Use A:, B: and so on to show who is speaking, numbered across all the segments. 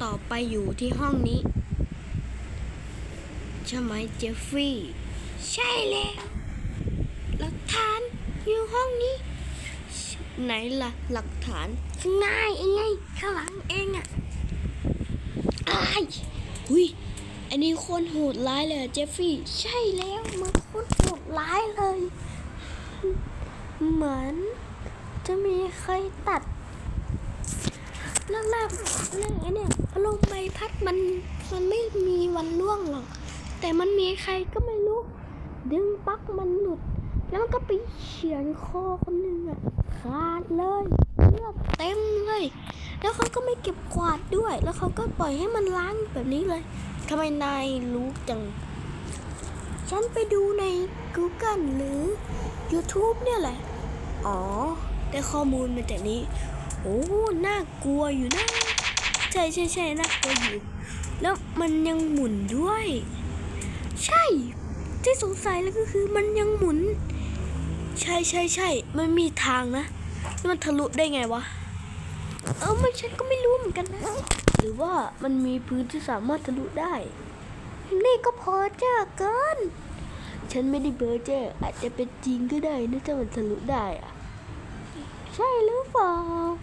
A: ต่อไปอยู่ที่ห้องนี้ใช่ไหมเจฟฟี่ใช่แล้วหลักฐานอยู่ห้องนี้ไหนล่ะหลักฐานข้างหน้าเองไงข้างหลังเองอ่ะอ้ายหุยอันนี้คนโหดร้ายเลยเจฟฟี่ใช่แล้วมันคนโหดร้ายเลยเหมือนจะมีใครตัดเรื่องไอ้เนี่ยพัดลมใบพัดมันไม่มีวันร่วงหรอกแต่มันมีใครก็ไม่รู้ดึงปลั๊กมันหลุดแล้วมันก็ไปเฉือนคอคนหนึ่งอ่ะขาดเลยเลือดเต็มเลยแล้วเขาก็ไม่เก็บกวาดด้วยแล้วเขาก็ปล่อยให้มันล้างแบบนี้เลยทำไมนายรู้จังฉันไปดูใน Google หรือ YouTube เนี่ยแหละอ๋อได้ข้อมูลมาจากนี้โอ้น่ากลัวอยู่นะใช่น่ากลัวอยู่แล้วมันยังหมุนด้วยใช่ที่สงสัยแล้วก็คือมันยังหมุนใช่มันมีทางนะมันทะลุได้ไงวะไม่ฉันก็ไม่รู้เหมือนกันนะหรือว่ามันมีพื้นที่สามารถทะลุได้นี่ก็พอเจ้าเกินฉันไม่ได้เบอร์เจ้อาจจะเป็นจริงก็ได้นะถ้ามันทะลุได้อะใช่หรือเปล่า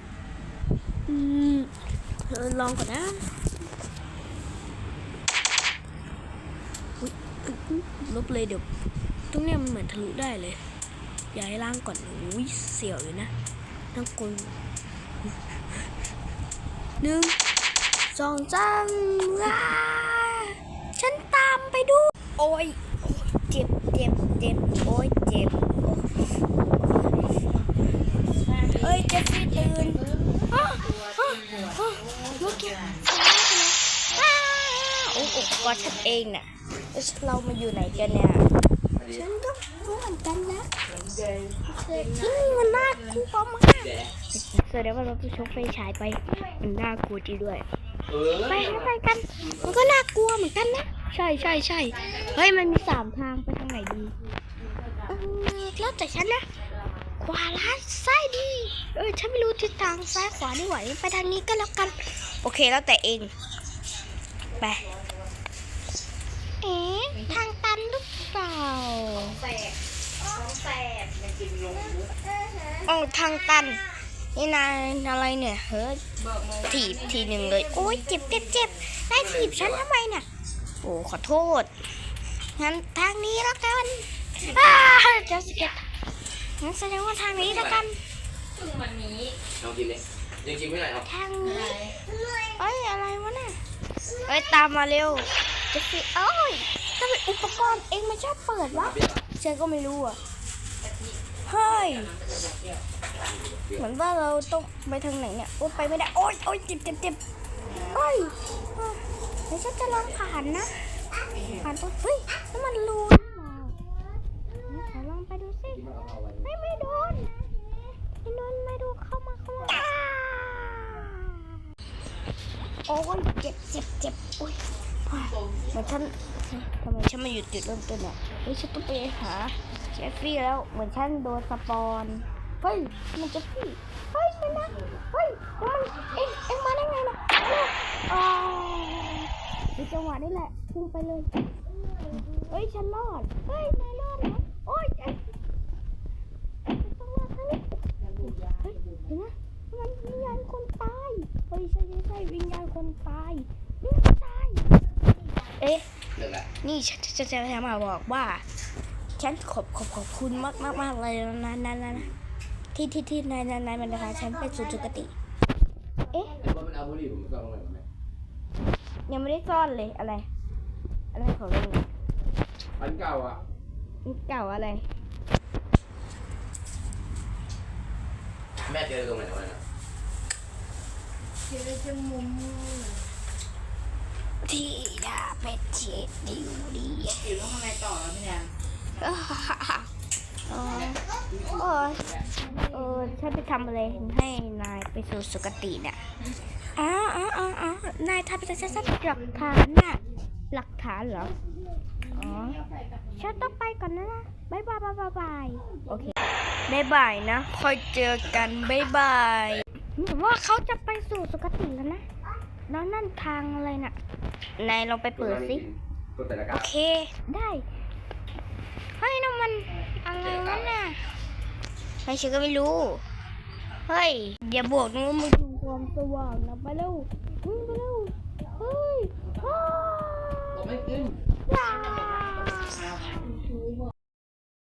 A: ลองก่อนนะลบเลยเดี๋ยวตรงเนี้ยมันเหมือนทะลุได้เลยย้ายล่างก่อนอุ้ยเสียวอยู่นะต้องกด1 2 3ฉันตามไปดูโอ้ยเจ็บโอ้ยเจ็บเอ้ยเจฟฟี่ตื่นเมื่อกี้โอ้ก็ฉันเองน่ะเรามาอยู่ไหนกันเนี่ยฉันก็รู้เหมือนกันนะที่นี่มันน่ากลัวมากแสดงว่าเราต้องชกไฟฉายไปมันน่ากลัวจริงด้วยไปกันมันก็น่ากลัวเหมือนกันนะใช่เฮ้ยมันมี3 ทางไปทางไหนดีแล้วแต่ฉันนะขวาร้ายซ้ายดีฉันไม่รู้ทิศทางซ้ายขวาไม่ไหวไปทางนี้ก็แล้วกันโอเคแล้วแต่เองไปทางตันหรือเปล่าทางตันนี่นายอะไรเนี่ยเฮ้ยถีบทีหนึ่งเลยโอ้ยเจ็บนายถีบฉันทำไมเนี่ยโอ้ขอโทษงั้นทางนี้แล้วกันจะสเก็ตงั้นแสดงว่าทางนี้แล้วกัน
B: วันนี้ลองกินเลยยังกินไม่ไหนครับ
A: ทางนี้อะไรวะเนี่ยตามมาเร็วจะสิทำไมอุปกรณ์เองมันชอบเปิดวะฉันก็ไม่รู้อ่ะเฮ้ยเหมือนว่าเราต้องไปทางไหนเนี่ยไปไม่ได้โอ๊ยเจ็บเฮ้ยเดี๋ยวฉันจะลองผ่านนะผ่านตรงเฮ้ยแล้วมันรูนี่ขอลองไปดูสิไม่โดนไม่ดูเข้ามาโอ้ยเจ็บโอ้ยเหมือนฉันทำไมฉันมาอยู่จุดเริ่มต้นเนี่ยฉันต้องไปหาเจฟฟี่แล้วเหมือนฉันโดนสปอนเฮ้ยมันเจฟฟี่เฮ้ยไม่นะเฮ้ยมันเอ็งมาได้ไงนะในจังหวะนี้แหละพุ่งไปเลยเฮ้ยฉันรอดเฮ้ยนายรอดเหรอโอ้ยจังหวะนี้เฮ้ยเห็นไหมมันวิญญาณคนตายเฮ้ยใช่วิญญาณคนตายนี่ฉันจะมาบอกว่าฉันขอบคุณมากเลยนะที่นายมันนะคะฉันไปสู่จุกติ
B: มันเอาบุหรี่ผมซ่อนตรงไหนไหม
A: ยังไม่ได้ซ่อนเลยอะไรของเรา
B: อันเก่าอ่ะ
A: เก่าอะไร
B: แม่เจอตรงไหนนะ
A: เจอจมูกที่ดาเป็ดเช็ดดิวดี
C: อยู่ข้างในต่อแล้วพี่แนน
A: ฉันไปทำอะไรให้นายไปสู่สุคติเนี่ยนายทำไปฉันหลักฐานน่ะหลักฐานเหรอฉันต้องไปก่อนนะบ๊ายบายโอเคบ๊ายบายนะค่อยเจอกันบ๊ายบายว่าเขาจะไปสู่สุคติแล้วนะแล้วนั่นทางอะไรน่ะนายลองไปเปิดสิ
B: กดแต่ละกา
A: โอเค ได้เฮ้ยน้ำมันอะไรวะน่ะไม่ฉันก็ไม่รู้ เฮ้ย อย่าบวกนะมึงดูความสว่างนะไปเร็ววิ่งไปเร็ว เฮ้ยอ้าว
B: ไม่ขึ้น